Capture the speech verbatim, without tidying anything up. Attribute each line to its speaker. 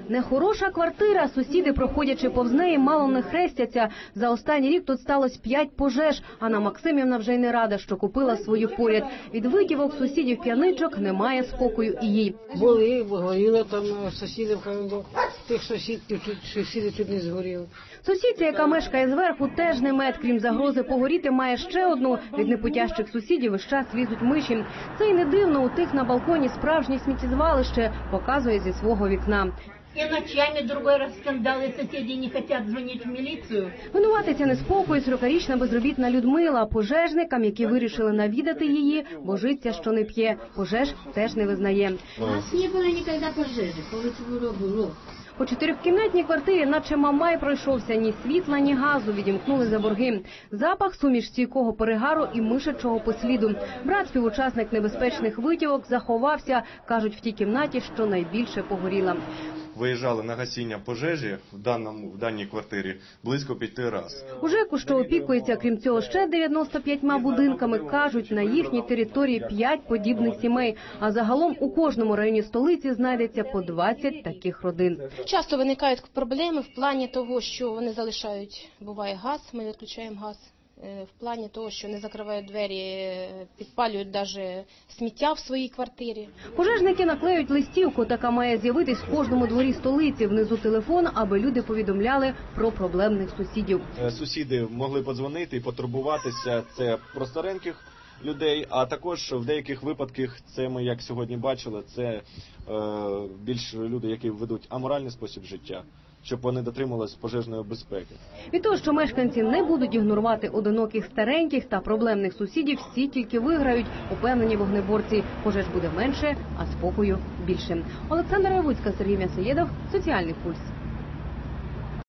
Speaker 1: Нехороша квартира. Сусіди, проходячи повз неї, мало не хрестяться. За останній рік тут сталося п'ять пожеж. Анна Максимівна вже й не рада, що купила свою поряд. Від витівок сусідів-п'яничок немає спокою і їй.
Speaker 2: Були, горіли там сусідів, тих сусідів, сусіди чуть не згоріли.
Speaker 1: Сусідця, яка мешкає зверху, теж не мед. Крім загрози погоріти, має ще одну. Від непутящих сусідів весь час лізуть миші. Це й не дивно, у тих на балконі справжнє сміттєзвалище, показує зі свого вікна.
Speaker 3: И ночами другой раз скандалы, соседи не хотят звонить в милицию.
Speaker 1: Винуватиця неспокою сорокарічна безробітна Людмила. Пожежникам, які вирішили навідати її, божиться, що не п'є. Пожеж теж не визнає.
Speaker 3: У нас не было никогда пожежи, по було.
Speaker 1: По чотирьохкімнатній квартирі, наче мамай пройшовся, ні світла, ні газу, відімкнули за борги. Запах, суміш стійкого перегару і мишачого посліду. Брат, співучасник небезпечних витівок, заховався. Кажуть, в тій кімнаті, що найбільше погоріла.
Speaker 4: Виїжджали на гасіння пожежі в даному в даній квартирі близько п'яти разів.
Speaker 1: У ЖЕКу, що опікується, крім цього, ще дев'яноста п'ятьма будинками, кажуть, на їхній території п'ять подібних сімей. А загалом у кожному районі столиці знайдеться по двадцять таких родин.
Speaker 5: Часто виникають проблеми в плані того, що вони залишають, буває газ, ми відключаємо газ. В плані того, що не закривають двері, підпалюють навіть сміття в своїй квартирі.
Speaker 1: Пожежники наклеють листівку, така має з'явитись в кожному дворі столиці. Внизу телефон, аби люди повідомляли про проблемних сусідів.
Speaker 6: Сусіди могли подзвонити і потурбуватися. Це про стареньких людей, а також в деяких випадках, це ми, як сьогодні бачили, це е, більш люди, які ведуть аморальний спосіб життя, щоб вони дотримувалися пожежної безпеки.
Speaker 1: Від того, що мешканці не будуть ігнорувати одиноких стареньких та проблемних сусідів, всі тільки виграють, упевнені вогнеборці. Пожеж буде менше, а спокою більше. Олександра Явуцька, Сергій М'ясоєдов, Соціальний пульс.